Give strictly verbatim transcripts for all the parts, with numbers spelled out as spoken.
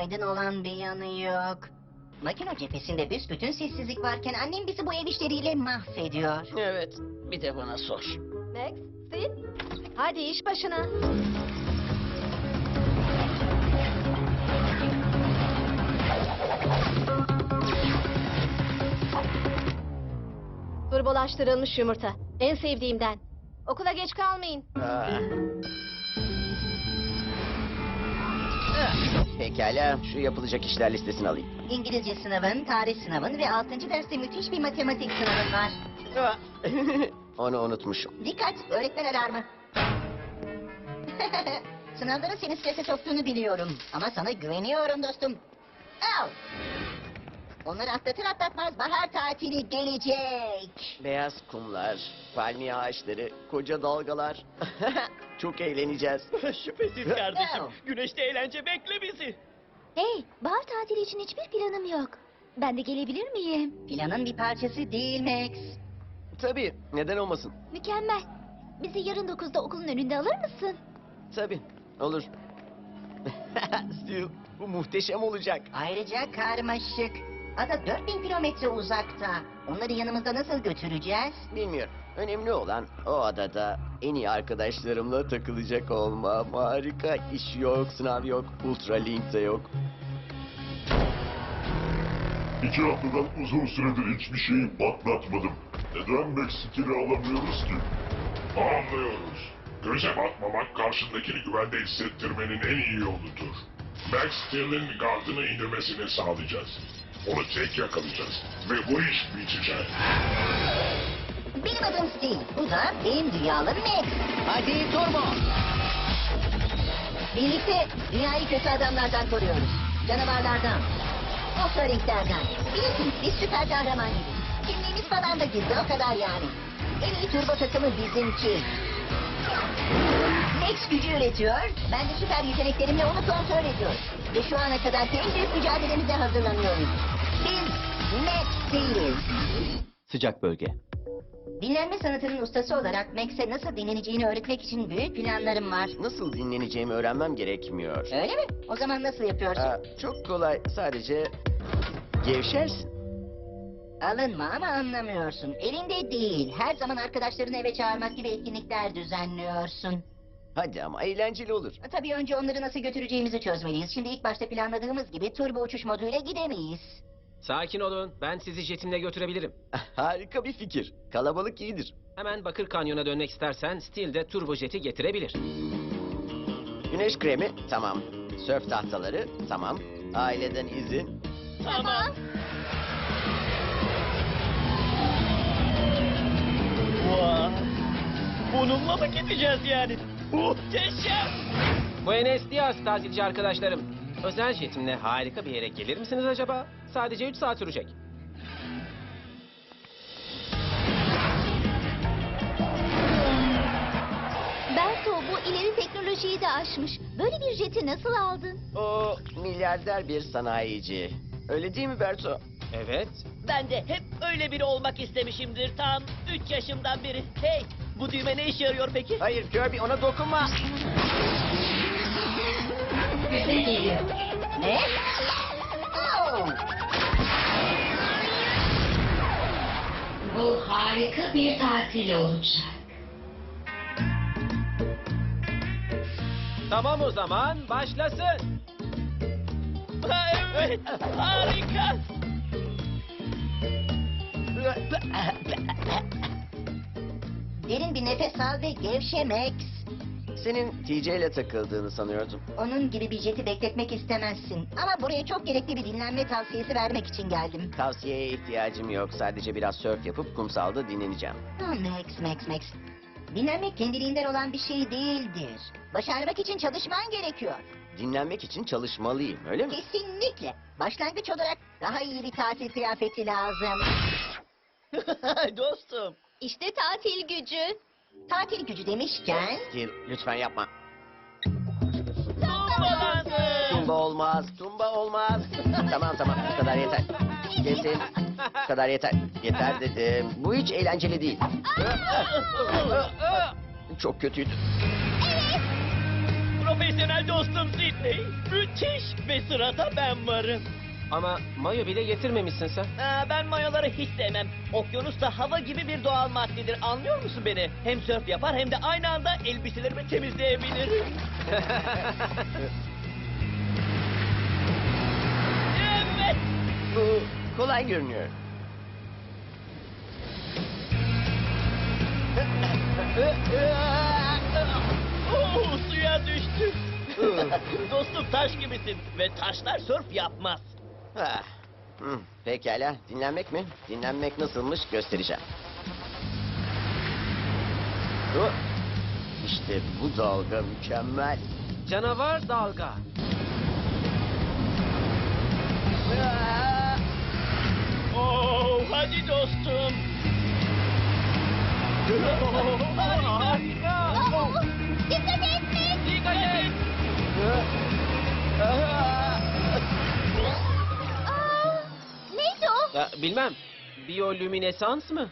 aydın olan bir yanı yok. Makine cephesinde büsbütün sessizlik varken annem bizi bu ev işleriyle mahvediyor. Evet, bir de bana sor. Max, Sid, hadi iş başına. Turbolaştırılmış yumurta. En sevdiğimden. Okula geç kalmayın. Aa. Pekala, şu yapılacak işler listesini alayım. İngilizce sınavın, tarih sınavın ve altıncı derste müthiş bir matematik sınavın var. Aa. Onu unutmuşum. Dikkat, öğretmen alarmı. Sınavların seni strese soktuğunu biliyorum. Ama sana güveniyorum dostum. Al. Onları atlatır atlatmaz bahar tatili gelecek. Beyaz kumlar, palmiye ağaçları, koca dalgalar. Çok eğleneceğiz. Şüphesiz kardeşim. Güneşte eğlence bekle bizi. Hey, bahar tatili için hiçbir planım yok. Ben de gelebilir miyim? Planın bir parçası değil Max. Tabii, neden olmasın? Mükemmel. Bizi yarın dokuzda okulun önünde alır mısın? Tabii, olur. Stu, bu muhteşem olacak. Ayrıca karmaşık. Ada dört bin kilometre uzakta. Onları yanımızda nasıl götüreceğiz? Bilmiyorum. Önemli olan o adada en iyi arkadaşlarımla takılacak olmam. Harika. İş yok, sınav yok, ultralink de yok. İki haftadan uzun süredir hiçbir şeyi patlatmadım. Neden Max Steel'i alamıyoruz ki? Anlıyoruz. Göze batmamak karşındakini güvende hissettirmenin en iyi yoludur. Max Steel'in gardını indirmesini sağlayacağız. Onu tek yakalayacağız ve bu iş bitecek. Benim adım Steve. Bu da benim dünyalım Max. Hadi turbo. Birlikte dünyayı kötü adamlardan koruyoruz. Canavarlardan. Ultralinklerden. Bilirsiniz biz süper kahraman gibiyiz. Kimliğimiz falan da gizli o kadar yani. En iyi turbo takımı bizimki. Max gücü üretiyor. Ben de süper yeteneklerimle onu kontrol ediyorum. Ve şu ana kadar en büyük mücadelemize hazırlanıyoruz. Biz Max değiliz. Sıcak bölge. Dinlenme sanatının ustası olarak Max'e nasıl dinleneceğini öğretmek için büyük planlarım var. Nasıl dinleneceğimi öğrenmem gerekmiyor. Öyle mi? O zaman nasıl yapıyorsun? Aa, çok kolay. Sadece gevşersin. Alınma ama anlamıyorsun. Elinde değil. Her zaman arkadaşlarını eve çağırmak gibi etkinlikler düzenliyorsun. Hadi ama eğlenceli olur. Tabii önce onları nasıl götüreceğimizi çözmeliyiz. Şimdi ilk başta planladığımız gibi turbo uçuş moduyla gidemeyiz. Sakin olun. Ben sizi jetimle götürebilirim. Harika bir fikir. Kalabalık iyidir. Hemen Bakır Kanyon'a dönmek istersen Steel de turbojeti getirebilir. Güneş kremi tamam. Sörf tahtaları tamam. Aileden izin. Tamam. Vay. Bununla mı gideceğiz yani? Muhteşem. Buenos Dias tatilci arkadaşlarım. Özel jetimle harika bir yere gelir misiniz acaba? Sadece üç saat sürecek. Berto, bu ileri teknolojiyi de aşmış. Böyle bir jeti nasıl aldın? O milyarder bir sanayici. Öyle değil mi Berto? Evet. Ben de hep öyle biri olmak istemişimdir tam üç yaşımdan beri. Hey, bu düğme ne işe yarıyor peki? Hayır Kirby ona dokunma. Bize geliyor. Ne? Oh! Bu harika bir tatil olacak. Tamam o zaman başlasın. Ha, evet, harika. Derin bir nefes al ve gevşe Max. Senin T J ile takıldığını sanıyordum. Onun gibi bir jeti bekletmek istemezsin. Ama buraya çok gerekli bir dinlenme tavsiyesi vermek için geldim. Tavsiyeye ihtiyacım yok. Sadece biraz sörf yapıp kumsalda dinleneceğim. Ha, Max, Max, Max. Dinlenmek kendiliğinden olan bir şey değildir. Başarmak için çalışman gerekiyor. Dinlenmek için çalışmalıyım, öyle mi? Kesinlikle. Başlangıç olarak daha iyi bir tatil kıyafeti lazım. Dostum. İşte tatil gücü. Tatil gücü demişken... Steve, lütfen yapma. Tumbalandı. Tumba olmaz, tumba olmaz. Tamam tamam, bu kadar yeter. Kesin, bu kadar yeter. Yeter dedim. Bu hiç eğlenceli değil. Çok kötüydü. profesyonel dostum Sidney. Müthiş ve sırada ben varım. Ama mayo bile getirmemişsin sen. Aa, ben mayoları hiç sevmem. Okyanus da hava gibi bir doğal maddedir. Anlıyor musun beni? Hem sörf yapar hem de aynı anda elbiselerimi temizleyebilirim. Evet. Bu kolay görünüyor. Oo, suya düştü. Dostum taş gibisin ve taşlar sörf yapmaz. Ah, hmm, pekala. Dinlenmek mi? Dinlenmek nasılmış göstereceğim. Oh, İşte bu dalga mükemmel. Canavar dalga. Oo, hadi dostum. Harika. Aa, dikkat et Max. Dikkat et. Aa, neydi o? Ya, bilmem. Biyolüminesans mı?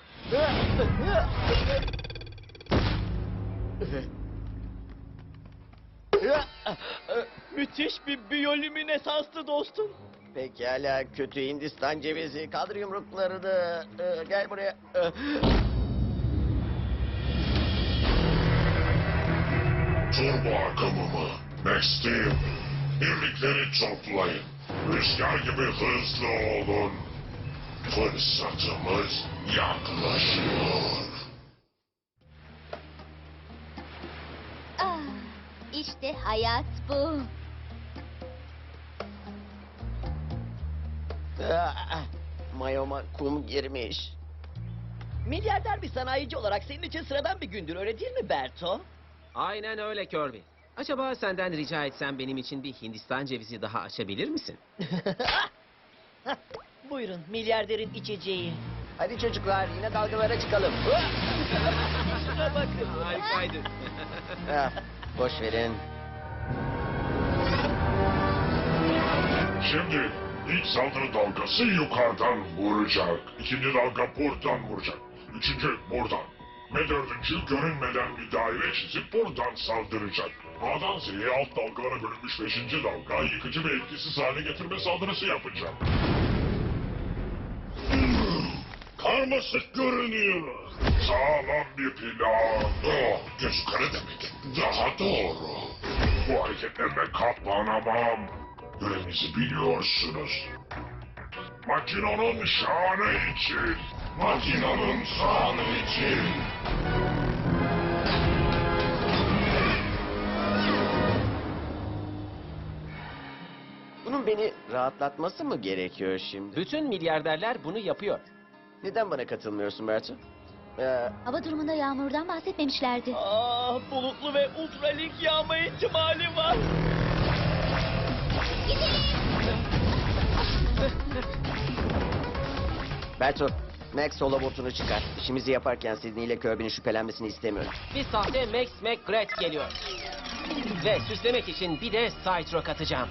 Müthiş bir biyolüminesanstı dostum. Pekala, kötü Hindistan cevizi. Kaldır yumruklarını. Ee, gel buraya. Ee, Turbo akımımı. Max Steel. Birlikleri toplayın. Rüzgar gibi hızlı olun. Fırsatımız yaklaşıyor. Ah, işte hayat bu. ah, Mayoma kum girmiş. Milyarder bir sanayici olarak senin için sıradan bir gündür, öyle değil mi Berto? Aynen öyle Kirby. Acaba senden rica etsem benim için bir Hindistan cevizi daha açabilir misin? Buyurun, milyarderin içeceği. Hadi çocuklar, yine dalgalara çıkalım. Şuna bakın. Harikaydı. Ah, boş verin. Şimdi ilk saldırı dalgası yukarıdan vuracak. İkinci dalga buradan vuracak. Üçüncü buradan. Ve dördüncü görünmeden bir daire çizip buradan saldıracak. A'dan Z'ye alt dalgalara bölünmüş beşinci dalga yıkıcı ve etkisiz hale getirme saldırısı yapacak. Karmaşık görünüyor. Sağlam bir plan. Oh, göz kara demek. Daha doğru. Bu hareketlerle katlanamam. Görevinizi biliyorsunuz. Makinonun şanı için. Makinonun şanı için. Bunun beni rahatlatması mı gerekiyor şimdi? Bütün milyarderler bunu yapıyor. Neden bana katılmıyorsun Berto? Ee, Hava durumunda yağmurdan bahsetmemişlerdi. Ah, bulutlu ve ultralik yağma ihtimali var. Berto, Max holobotunu çıkar. İşimizi yaparken Sidney ile Kirby'nin şüphelenmesini istemiyorum. Bir sahte Max McGrath geliyor. Ve süslemek için bir de Cytro katacağım.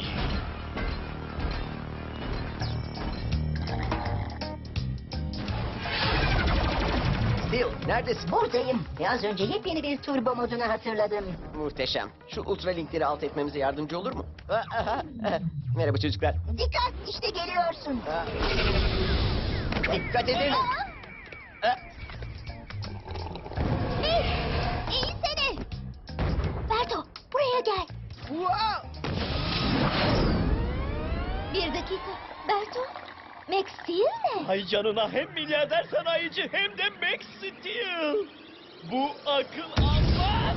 Bill, neredesin? Buradayım. Ve az önce yepyeni bir turbo modunu hatırladım. Muhteşem. Şu ultralinkleri alt etmemize yardımcı olur mu? Ah, ah, ah. Merhaba çocuklar. Dikkat, işte geliyorsun. Ah. Dikkat edin. Ah. Max, eğilsene. Berto, buraya gel. Wow! Bir dakika. Berto, Max Steel mi? Ay canına, hem milyarder sanayici hem de Max Steel. Bu akıl almaz.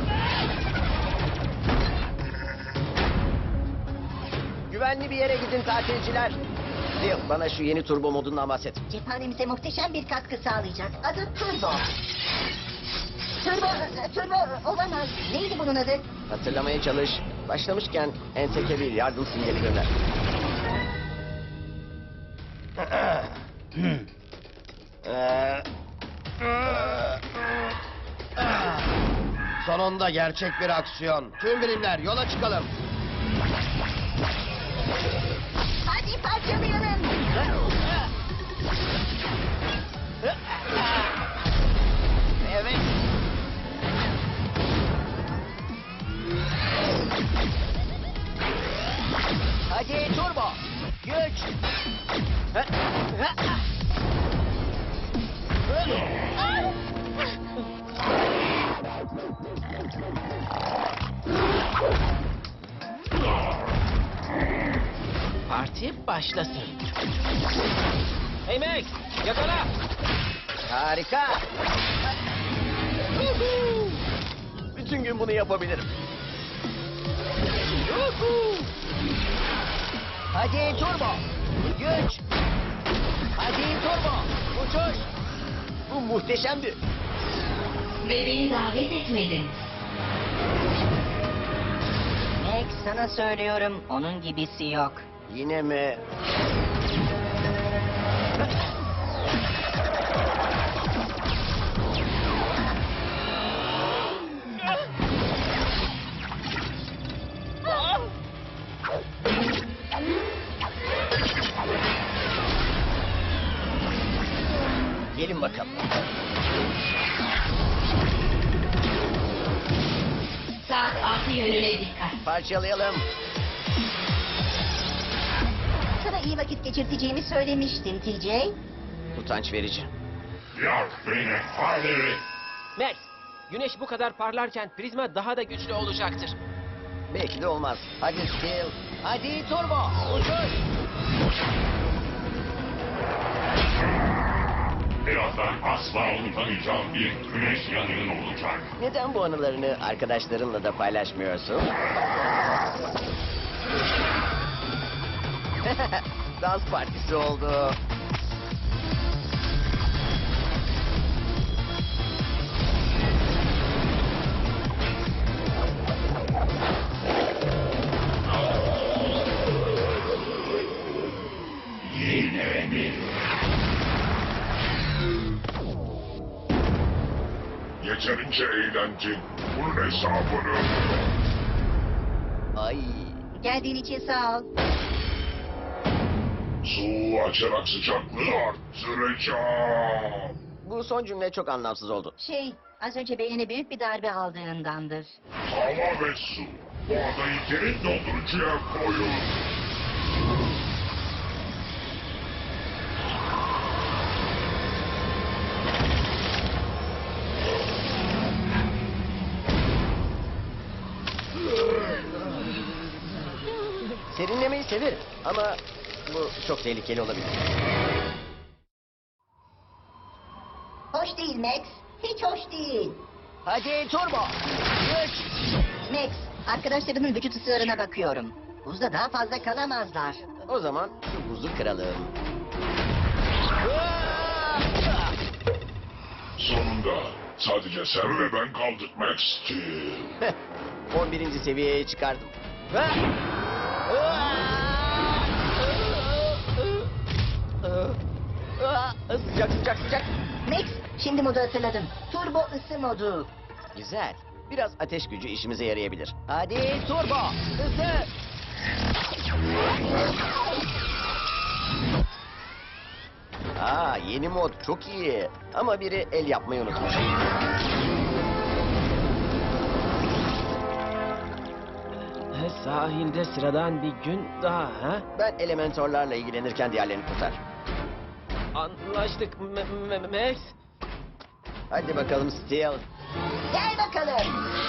Güvenli bir yere gidin tatilciler. Bill, bana şu yeni turbo modundan bahset. Cephanemize muhteşem bir katkı sağlayacak. Adı Turbo. Turbo, Turbo olamaz. Neydi bunun adı? Hatırlamaya çalış. Başlamışken Entek'e bir yardım sinyali gönder. Sonunda gerçek bir aksiyon. Tüm birimler yola çıkalım. Hadi parçalayalım. Evet. Hadi turbo. Güç. Ha, ha. Parti başlasın. Hey Max, yakala. Harika. Bütün gün bunu yapabilirim. Hadi turbo. Güç. Hadi turbo. Uçuş. Bu muhteşemdi. Ve beni davet etmedin. Max, sana söylüyorum, onun gibisi yok. Yine mi? Gelin bakalım. Saat altı yönüne dikkat. Parçalayalım. Sana iyi vakit geçirteceğimi söylemiştim T J. Utanç verici. Yak beni hadi. Max, güneş bu kadar parlarken prizma daha da güçlü olacaktır. Belki de olmaz. Hadi Steel. Hadi turbo. Uçuş. Birazdan asla unutamayacağım bir güneş yanığın olacak. Neden bu anılarını arkadaşlarınla da paylaşmıyorsun? Dans partisi oldu. Yine mi? Yeterince eğlencin. Bunun hesabını. Ay. Geldiğin için sağ ol. Su açarak sıcaklığı arttıracağım. Bu son cümle çok anlamsız oldu. Şey, az önce beynine büyük bir darbe aldığındandır. Hava ve su. Bu adayı derin dondurucuya koyun. Serinlemeyi severim ama bu çok tehlikeli olabilir. Hoş değil Max, hiç hoş değil. Hadi turbo. Güç. Max, arkadaşlarımın vücut ısılarına bakıyorum. Buzda daha fazla kalamazlar. O zaman şu buzu kıralım. Sonunda sadece sen ve ben kaldık Max Steel. on birinci seviyeye çıkardım. Sıcak sıcak sıcak. Max, şimdi modu hatırladım. Turbo ısı modu. Güzel. Biraz ateş gücü işimize yarayabilir. Hadi turbo. Hızlı. Aa, yeni mod çok iyi. Ama biri el yapmayı unutmuş. Sahilde sıradan bir gün daha ha? Ben elementorlarla ilgilenirken diğerlerini kurtar. Anlaştık M- M- Max. Hadi bakalım Steel. Gel bakalım.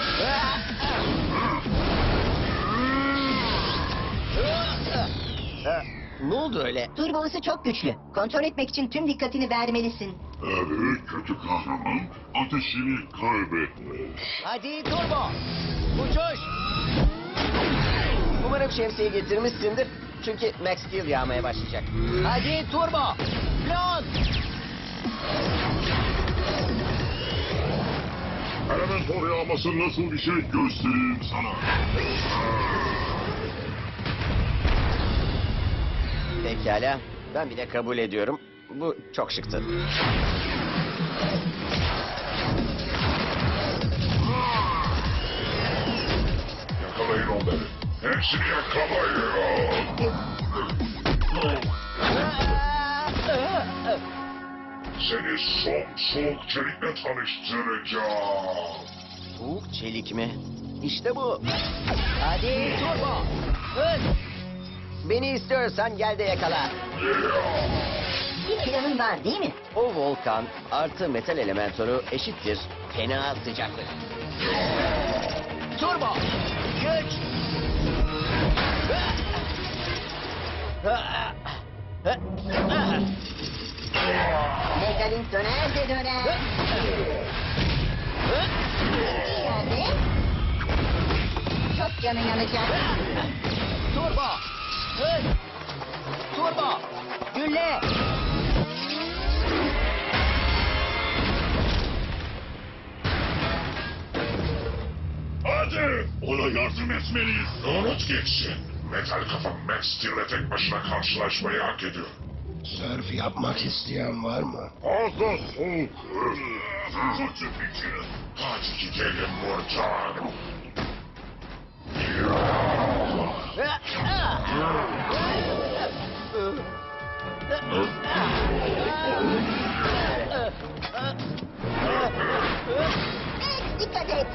Ha, ne oldu öyle? Turbo ısı çok güçlü. Kontrol etmek için tüm dikkatini vermelisin. Evet, kötü kahraman ateşini kaybetmiş. Hadi turbo. Uçuş. Umarım şemsiyeyi getirmişsindir. Çünkü Max Steel yağmaya başlayacak. Hadi turbo. Pilot. Elementor yağması nasıl bir şey göstereyim sana. Pekala. Ben bile kabul ediyorum. Bu çok şıktı. Yakalayın onları. Hepsini yakalayın. Seni son soğuk çelikle tanıştıracağım. Soğuk çelik mi? İşte bu. Hadi turbo. Hız. Beni istiyorsan gel de yakala. Bir planın var değil mi? O volkan artı metal elemентörü eşittir fena sıcaklık. Turbo! Güç! Megalink döner de döner. İyi yerde. Çok canı yanacak. Turbo! Hız! Turbo! Gülle! Hadi! Ona yardım etmeliyiz. Unut geçsin. Metal kafa Max Steel'le tek başına karşılaşmayı hak ediyor. Sörf yapmak isteyen var mı? Fazla soğuk. Kötü fikir. Hadi gidelim buradan. Dikkat et.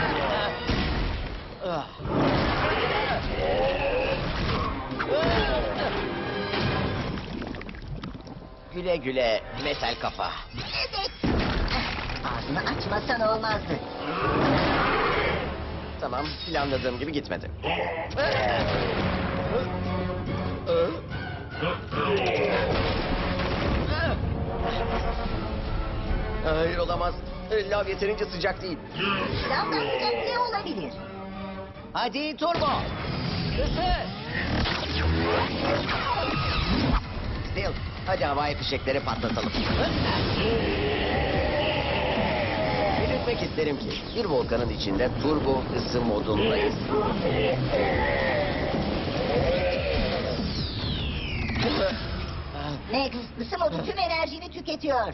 Güle güle metal kafa. Evet. Ağzını açmasan olmazdı. Tamam, planladığım gibi gitmedi. Hayır, olamaz. Lav yeterince sıcak değil. Lavdan sıcak ne olabilir? Hadi turbo! Hızlı! Steel, hadi havai fişekleri patlatalım. Belirtmek isterim ki bir volkanın içinde turbo ısı modundayız. Max, ısı modu tüm enerjini tüketiyor.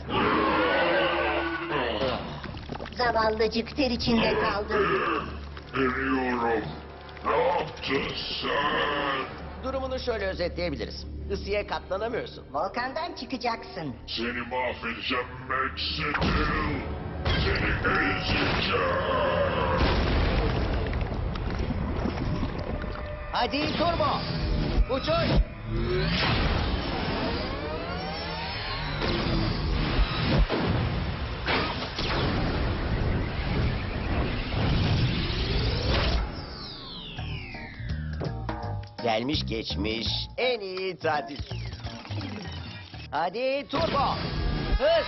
Zavallıcık ter içinde kaldı. Eriyorum. Ne yaptın sen? Durumunu şöyle özetleyebiliriz. Isıya katlanamıyorsun. Volkandan çıkacaksın. Seni mahvedeceğim Max Steel. Seni ezeceğim. Hadi turbo! Uçuş! Gelmiş geçmiş en iyi tatil. Hadi turbo! Hız!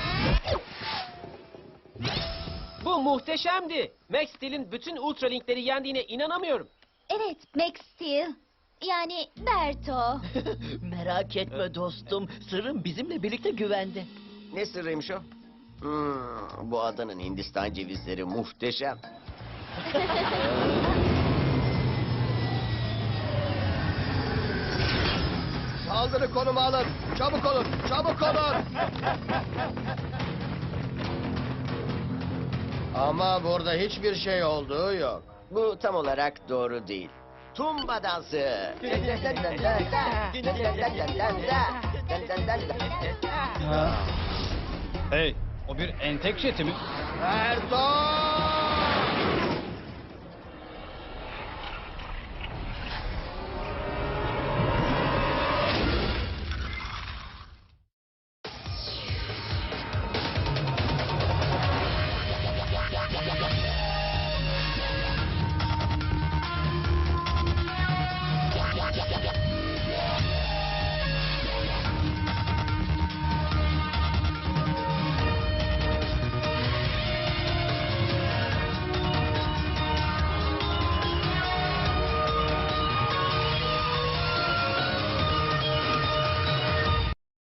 Bu muhteşemdi. Max Steel'in bütün Ultralink'leri yendiğine inanamıyorum. Evet, Max Steel. Yani Berto. Merak etme dostum. Sırrım bizimle birlikte güvende. Ne sırrıymış o? Hmm, bu adanın Hindistan cevizleri muhteşem. Saldırı konumu alın. Çabuk olun. Çabuk olun. Ama burada hiçbir şey olduğu yok. Bu tam olarak doğru değil. Tumba dansı. Hey, o bir entek jeti mi? Erdoğan!